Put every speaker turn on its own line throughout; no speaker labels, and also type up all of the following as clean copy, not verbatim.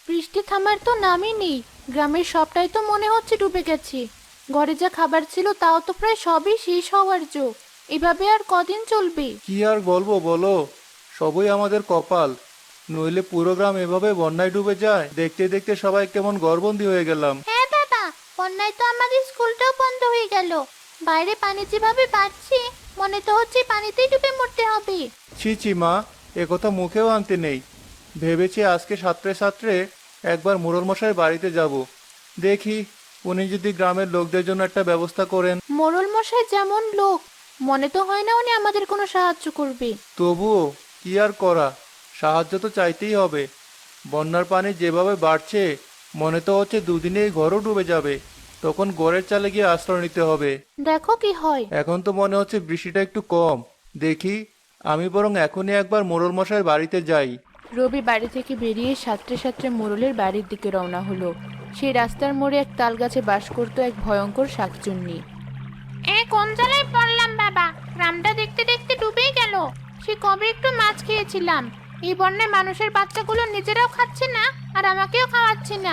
বৃষ্টি থামার তো নামই নেই। গ্রামের সবটাই তো মনে হচ্ছে ডুবে গেছে। ঘরে যা খাবার ছিল তাও তো প্রায় সবই শেষ হওয়ার জো। এভাবে আর কদিন চলবে?
কি আর বলবো বলো, সবই আমাদের কপাল। নইলে পুরো গ্রাম এভাবে বন্যায় ডুবে যায়, দেখতে দেখতে সবাই কেমন ঘরবন্দি হয়ে গেলাম।
হ্যাঁ দাদা, বন্যায় তো আমাদের স্কুলটাও বন্ধ হয়ে গেল। বাইরে পানি যেভাবে বাড়ছে, মনে তো হচ্ছে পানিতেই ডুবে মরতে হবে।
ছি ছি মা, একথা মুখেও আনতে নেই। ভেবেছি আজকে সাঁতরে সাঁতরে একবার মোড়ল মশাই বাড়িতে যাব। দেখি উনি যদি গ্রামের লোকদের জন্য একটা ব্যবস্থা করেন।
মোড়ল মশাই যেমন লোক, মনে তো হয় না উনি আমাদের কোনো সাহায্য করবে।
তবুও কি আর করা, সাহায্য তো চাইতেই হবে। বন্যার পানি যেভাবে বাড়ছে, মনে তো হচ্ছে দুদিনেই ঘরও ডুবে যাবে। তখন ঘরের চালে গিয়ে আশ্রয় নিতে হবে।
দেখো কি হয়।
এখন তো মনে হচ্ছে বৃষ্টিটা একটু কম। দেখি, আমি বরং এখনই একবার মোড়ল মশাই বাড়িতে যাই।
রবি বাড়ি থেকে বেরিয়ে সাঁতরে সাঁতরে মোড়লের বাড়ির দিকে রওনা হলো। সেই রাস্তার মোড়ে এক তাল গাছে বাস করতো এক ভয়ঙ্কর শাকচুন্নি। কোন জায়গায় পড়লাম বাবা, গ্রামটা দেখতে দেখতে ডুবেই গেল। সে কবে একটু মাছ খেয়েছিলাম, এই বন্যায় মানুষের বাচ্চাগুলো নিজেরাও খাচ্ছে না, আর আমাকেও খাওয়াচ্ছে না।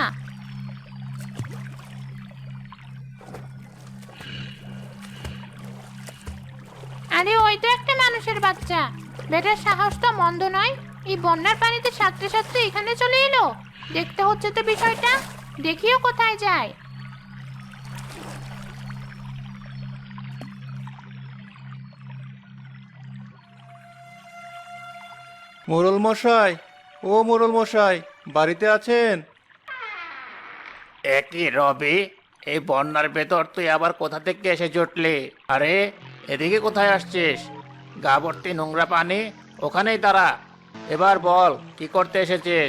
আরে ওই তো একটা মানুষের বাচ্চা। বেটার সাহস তো মন্দ নয়, এই বন্যার পানিতে সাঁতরে সাঁতরে এখানে চলে এলো। দেখতে হচ্ছে তো বিষয়টা, দেখিও কোথায় যায়।
মোড়ল মশাই, ও মোড়ল মশাই, বাড়িতে আছেন?
একই রবি, এই বন্যার ভেতর তুই আবার কোথা থেকে এসে জুটলি? আরে এদিকে কোথায় আসছিস? গা ভর্তি নোংরা পানি, ওখানেই দাঁড়া। এবার বল, কি করতে এসেছিস?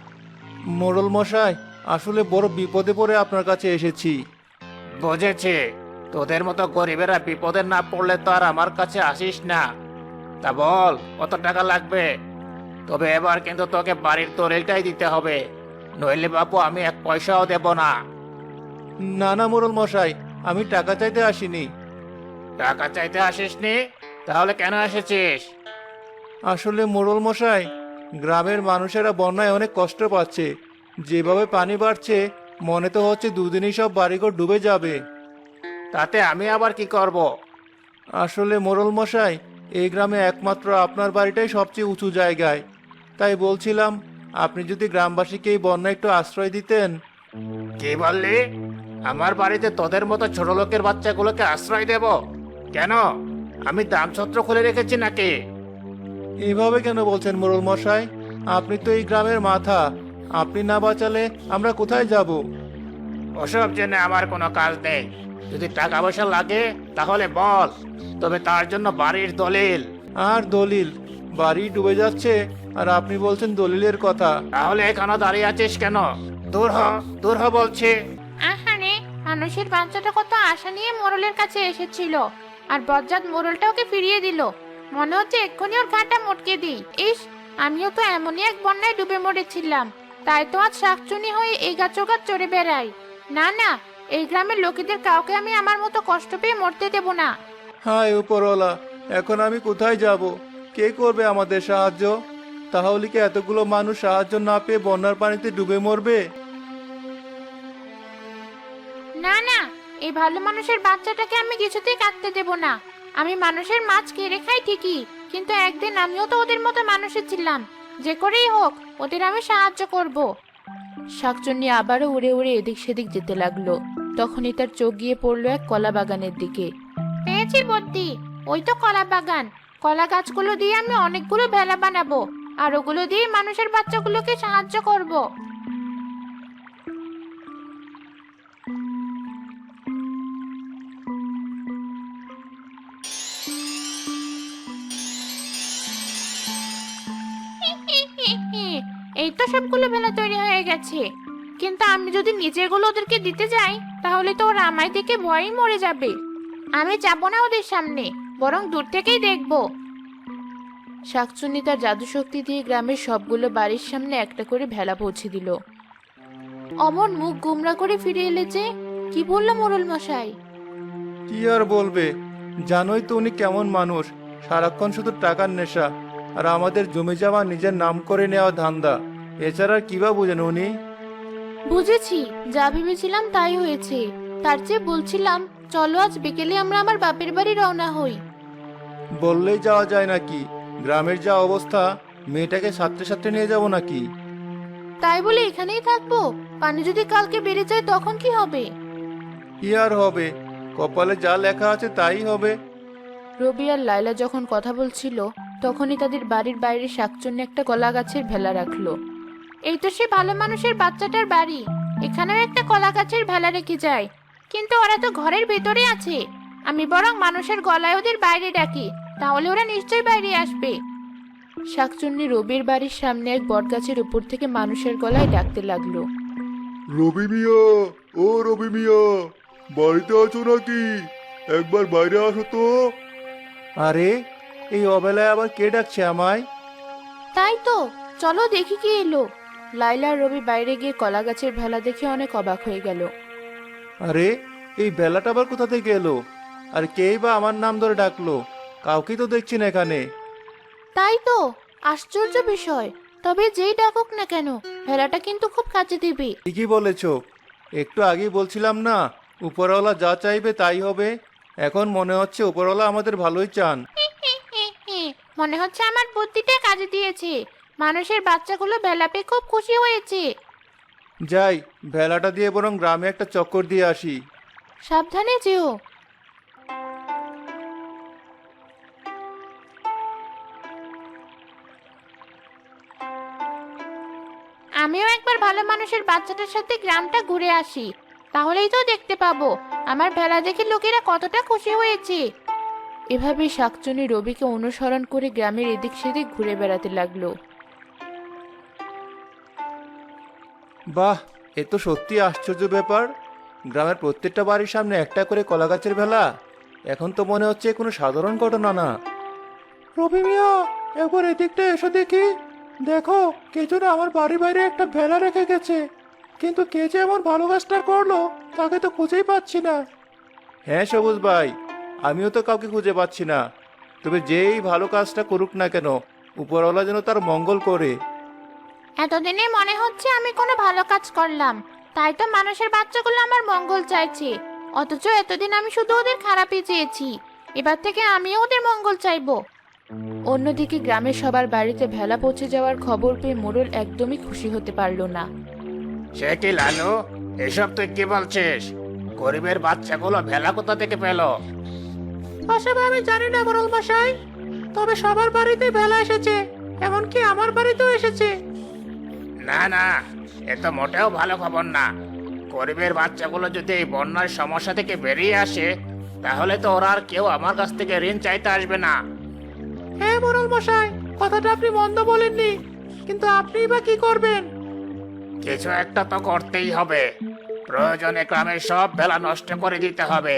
মোড়ল মশাই, আসলে বড় বিপদে পড়ে আপনার কাছে এসেছি।
বুঝেছি, তোদের মতো গরিবেরা বিপদে না পড়লে তো আর আমার কাছে আসিস না। তা বল, কত টাকা লাগবে? তবে এবার কিন্তু তোকে বাড়ির দলিলটাই দিতে হবে, নইলে বাপু আমি এক পয়সাও দেব না।
না না মোড়ল মশাই, আমি টাকা চাইতে আসিনি।
টাকা চাইতে আসিসনি? তাহলে কেন এসেছিস?
আসলে মোড়ল মশাই, গ্রামের মানুষেরা বন্যায় অনেক কষ্ট পাচ্ছে। যেভাবে পানি বাড়ছে, মনে তো হচ্ছে দুদিনই সব বাড়িঘর ডুবে যাবে।
তাতে আমি আবার কি করব?
আসলে মোড়ল মশাই, এই গ্রামে একমাত্র আপনার বাড়িটাই সবচেয়ে উঁচু জায়গায়। তাই বলছিলাম, আপনি যদি গ্রামবাসীকে এই বন্যায় একটু আশ্রয় দিতেন।
কি বললি? আমার বাড়িতে তোদের মতো ছোট লোকের বাচ্চাগুলোকে আশ্রয় দেব? কেন? আমি দানছত্র খুলে রেখেছি নাকি?
এইভাবে কেন বলছেন মোড়ল মশাই? আপনি তো এই গ্রামের মাথা। আপনি না বাঁচালে আমরা কোথায় যাব?
ওসব জেনে আমার কোনো কাজ নেই। যদি টাকা পয়সা লাগে তাহলে বল, তবে তার জন্য বাড়ির দলিল।
আর দলিল? বাড়ি ডুবে যাচ্ছে আর আপনি বলছেন দলিলের কথা?
তাহলে এখানে দাঁড়িয়ে আছিস কেন? দূর হ, দূর হ বলছি।
আহারে, মানুষের বাচ্চাটা কত আশা নিয়ে মোড়লের কাছে এসেছিল, আর বজ্জাত মোড়লটা ওকে ফিরিয়ে দিল। মনে হচ্ছে এক্ষুনি ওর ঘাটা মটকে দিই। ইস, আমিও তো এমনই এক বন্যায় ডুবে মরেছিলাম, তাই তো আজ শাকচুনি হয়ে এই গাছ ও গাছ চড়ে বেড়াই। না না, এই গ্রামের লোকেদের কাউকে আমি আমার মতো কষ্ট পেয়ে মরতে দেব না।
হায় উপরওয়ালা, এখন আমি কোথায় যাব? কে করবে আমাদের সাহায্য? তাহলে কি এতগুলো মানুষ সাহায্য না পেয়ে বন্যার পানিতে ডুবে মরবে?
না না, এই ভালো মানুষের বাচ্চাটাকে আমি কিছুতেই কাটতে দেব না। আমি মানুষের মাছ কেড়ে খাই ঠিকই, কিন্তু একদিন আমিও তো ওদের মতো মানুষই ছিলাম। যে করেই হোক ওদের আমি সাহায্য করব। শাকচুন্নি আবারও উড়ে উড়ে এদিক সেদিক যেতে লাগলো। তখনই তার চোখ গিয়ে পড়লো এক কলা বাগানের দিকে। পেয়েছি বুদ্ধি, ওই তো কলা বাগান। কলা গাছগুলো দিয়ে আমি অনেকগুলো ভেলা বানাবো, আর ওগুলো দিয়ে মানুষের বাচ্চাগুলোকে সাহায্য করব। এই তো সবগুলো ভেলা তৈরি হয়ে গেছে, কিন্তু আমি যদি নিজেগুলো ওদেরকে দিতে যাই তাহলে তো ওরা আমায় দেখে ভয়েই মরে যাবে। আমি যাব না ওদের সামনে, বরং দূর থেকেই দেখব। শাকচুন্নি তার জাদু শক্তি দিয়ে গ্রামের সবগুলো বাড়ির সামনে একটা করে ভেলা পৌঁছে দিল। অমন মুখ গোমরা করে ফিরে এলে যে, কি বললো মোড়ল মশাই?
কি আর বলবে, জানোই তো উনি কেমন মানুষ। সারাক্ষণ শুধু টাকার নেশা, আর আমাদের জমি জমা নিজের নাম করে নেওয়া ধান্দা। এছাড়া আর কি বা বুঝেন উনি?
বুঝেছি, যা ভেবেছিলাম তাই হয়েছে। তার চেয়ে বলছিলাম, চলো আজ বিকেলে আমরা আমার বাপের বাড়ি রওনা হই।
বললেই যাওয়া যায় নাকি? গ্রামের যা অবস্থা, মেয়েটাকে সাথে সাথে নিয়ে যাব নাকি?
তাই বলে এখানেই থাকবো? পানি যদি কালকে বেড়ে যায় তখন কি হবে?
কি আর হবে, কপালে যা লেখা আছে তাই হবে।
রবি আর লায়লা যখন কথা বলছিল তখনই তাদের বাড়ির বাইরে শাকচুন্নি একটা কলা গাছের ভেলা রাখলো। এই তো সে ভালো মানুষের বাচ্চাটার বাড়ি, এখানেও একটা কলা গাছের ভেলা রেখে যায়। কিন্তু ওরা তো ঘরের ভেতরে আছে। আমি বরং মানুষের গলায় ওদের বাইরে ডাকি, তাহলে ওরা নিশ্চয়ই বাইরে আসবে। শাকচুন্নি রবির বাড়ির সামনে এক বটগাছের উপর থেকে মানুষের গলায় ডাকতে লাগলো।
রবি মিয়া, ও রবি মিয়া, বাড়িতে আছো নাকি? একবার বাইরে আসো তো। আরে, এই অবেলায় আবার কে ডাকছে আমায়?
তাই তো, চলো দেখি কি এলো। লাইলা আর রবি বাইরে গিয়ে কলা গাছের ভেলা দেখে অনেক অবাক হয়ে গেল।
আরে, এই বেলাটা আবার কোথা থেকে এলো? আর কেই বা আমার নাম ধরে ডাকলো? কাউকেই তো দেখছি না এখানে।
তাই তো, আশ্চর্য বিষয়। তবে যেই ডাকুক না কেন, ভেলাটা কিন্তু খুব কাছে দিবে।
ঠিকই বলেছ, একটু আগেই বলছিলাম না, উপরওয়ালা যা চাইবে তাই হবে। এখন মনে হচ্ছে উপরওয়ালা আমাদের ভালোই চান।
মনে হচ্ছে আমার বুদ্ধিটা কাজে দিয়েছে। মানুষের বাচ্চাগুলো ভেলা পেয়ে খুব খুশি হয়েছে।
যাই, ভেলাটা দিয়ে বরং গ্রামে একটা চক্কর দিয়ে আসি।
সাবধানে যেও। আমিও একবার ভালো মানুষের বাচ্চাটার সাথে গ্রামটা ঘুরে আসি, তাহলেই তো দেখতে পাবো আমার ভেলা দেখে লোকেরা কতটা খুশি হয়েছে। এভাবে শাকচুনি রবিকে অনুসরণ করে গ্রামের এদিক সেদিক ঘুরে বেড়াতে লাগলো।
বাহ, এ তো সত্যি আশ্চর্য ব্যাপার। গ্রামের প্রত্যেকটা বাড়ির সামনে একটা করে কলা গাছের ভেলা। এখন তো মনে হচ্ছে কোনো সাধারণ ঘটনা না। রবি মিয়া, একবার এদিকটা এসে দেখি। দেখো, কে যেন আমার বাড়ির বাইরে একটা ভেলা রেখে গেছে। কিন্তু কে যে এমন ভালো কাজটা করলো তাকে তো খুঁজেই পাচ্ছি না। হ্যাঁ সবুজ ভাই, আমিও তো কাউকে খুঁজে পাচ্ছি না। তবে যেই ভালো কাজটা করুক না কেন, উপরওয়ালা যেন তার মঙ্গল করে।
এতদিনে মনে হচ্ছে আমি কোনো ভালো কাজ করলাম, তাই তো মানুষের বাচ্চাগুলো আমার মঙ্গল চাইছে। অথচ এতদিন আমি শুধু ওদের খারাপই চেয়েছি। এবার থেকে আমিও ওদের মঙ্গল চাইবো। অন্যদিকে গ্রামের সবার বাড়িতে ভেলা পৌঁছে যাওয়ার খবর পেয়ে মোড়ল একদমই খুশি হতে পারল না।
সে কি লালু, এসব তুই কি বলছিস? গরিবের বাচ্চাগুলো ভেলা কোথা থেকে পেল?
আসলে আমি জানি না মোড়ল মশাই, তবে সবার বাড়িতে ভেলা এসেছে, এমনকি আমার বাড়িতেও এসেছে।
না না, এ তো মোটেও ভালো খবর না। গরিবের বাচ্চাগুলো যদি এই বন্যার সমস্যা থেকে বেরিয়ে আসে, তাহলে তো ওরা আর কেউ আমার কাছ থেকে ঋণ চাইতে আসবে না।
হ্যাঁ মোড়ল মশাই, কথাটা আপনি মন্দ বলেননি, কিন্তু আপনিই বা কি করবেন?
কিছু একটা তো করতেই হবে। প্রয়োজনে গ্রামের সব ভেলা নষ্ট করে দিতে হবে।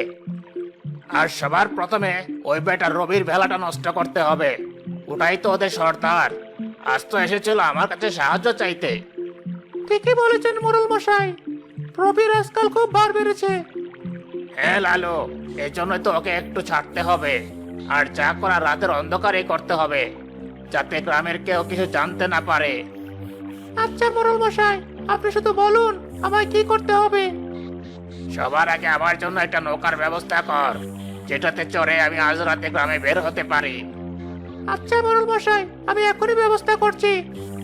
আর সবার প্রথমে ওই বেটা রবির ভেলাটা নষ্ট করতে হবে। ওটাই তো ওদের সর্দার। আজ তো এসেছিল আমার কাছে সাহায্য চাইতে।
ঠিকই বলেছেন মোড়ল মশাই, রবির আজকাল খুব বার বেড়েছে।
হ্যাঁ লালু, এই জন্যই তো ওকে একটু ছাড়তে হবে। আর যা করা রাতের অন্ধকারেই করতে হবে, যাতে গ্রামের কেউ কিছু জানতে না পারে।
আচ্ছা মোড়ল মশাই, আপনি শুধু বলুন আমায় কি করতে হবে।
সবার আগে আমার জন্য একটা নৌকার ব্যবস্থা কর, যেটাতে চড়ে আমি আজ রাতে গ্রামে বের হতে পারি।
আচ্ছা মোড়ল মশাই, আমি এখনই ব্যবস্থা করছি।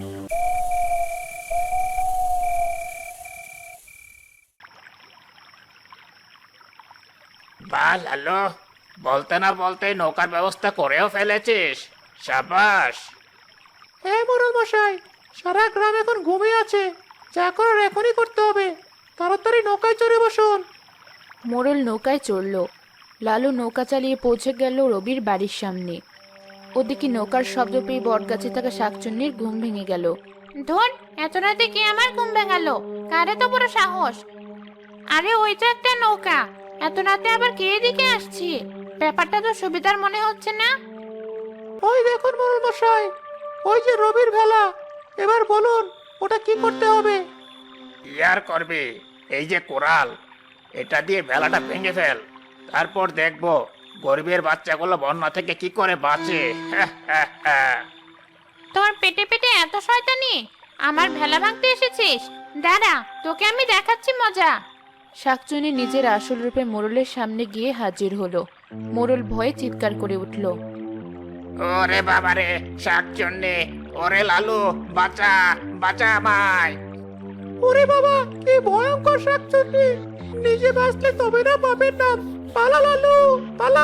বাহ লালু, বলতে না বলতে নৌকার ব্যবস্থা করেও ফেলেছিস। সাবাস।
হ্যাঁ মোড়ল মশাই, সারা গ্রাম এখন ঘুমিয়ে আছে, যা করার এখনই করতে হবে। তাড়াতাড়ি নৌকায় চড়ে বসুন।
মোড়ল নৌকায় চড়ল। লালু নৌকা চালিয়ে পৌঁছে গেল রবির বাড়ির সামনে। ওদিকে নৌকার শব্দ পেয়ে বটগাছে থাকা শাকচুন্নির ঘুম ভেঙে গেল। ধর, এত রাতে কে আমার ঘুম ভেঙালো? কারে তো বড় সাহস! আরে ওই তো একটা নৌকা, এত রাতে আবার কে এদিকে আসছে? ব্যাপারটা তো সুবিধার মনে হচ্ছে না।
ওই দেখুন মোড়ল মশাই, ওই যে রবির ভেলা। এবার বলুন ওটা কি করতে হবে?
কি আর করবি, এই যে কোরাল, এটা দিয়ে ভেলাটা ভেঙে ফেল। তারপর দেখবো গরিবের বাচ্চাগুলো বন্যা থেকে কি করে বাঁচে।
তোর পেটে পেটে এত শয়তানি! আমার ভেলা ভাঙতে এসেছিস? দাঁড়া, তোকে আমি দেখাচ্ছি মজা। শাকচুনি নিজের আসল রূপে মোড়লের সামনে গিয়ে হাজির হলো। মোড়ল ভয়ে চিৎকার করে উঠল।
ওরে বাবারে, শাকচুন্নি! ওরে লালু, বাঁচা, বাঁচা আমায়!
ওরে বাবা, কি ভয়ঙ্কর শাকচুন্নি! নিজে বাঁচলে তবে না বাপের নাম। পালা লালু, পালা!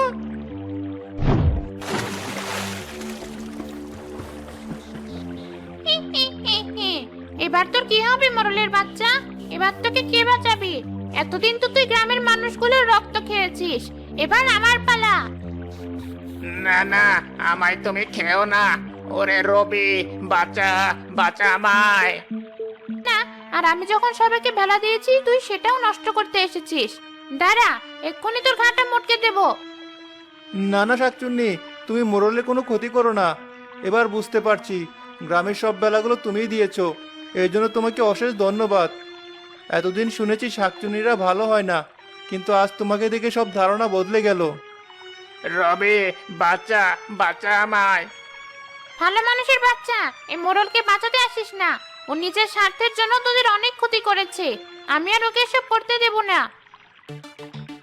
এবার তোর কি হবে মোড়লের বাচ্চা? এবার তোকে কে বাঁচাবি? এতদিন তো তুই গ্রামের মানুষগুলোর রক্ত খেয়েছিস, এবার আমার পালা।
না না, আমায় তুমি খেও না। ওরে রবি, বাঁচা, বাঁচা আমায়!
না, আর আমি যখন সবাইকে ভেলা দিয়েছি তুই সেটাও নষ্ট করতে এসেছিস। দাঁড়া, এক্ষুনি তোর ঘাটা মটকে দেবো।
না না শাকচুন্নি, তুমি মোড়লের কোনো ক্ষতি করো না। এবার বুঝতে পারছি গ্রামের সব বেলাগুলো তুমিই দিয়েছো। এই জন্য তোমাকে অশেষ ধন্যবাদ। এতদিন শুনেছি শাকচুন্নিরা ভালো হয় না, কিন্তু আজ তোমাকে দেখে সব ধারণা বদলে গেল।
রবি, বাঁচা, বাঁচা আমায়!
ভালো মানুষের বাচ্চা, এই মোড়লকে বাঁচাতে আসিস না। ও নিজের স্বার্থের জন্য তোদের অনেক ক্ষতি করেছে। আমি আর ওকে এসব করতে দেব না।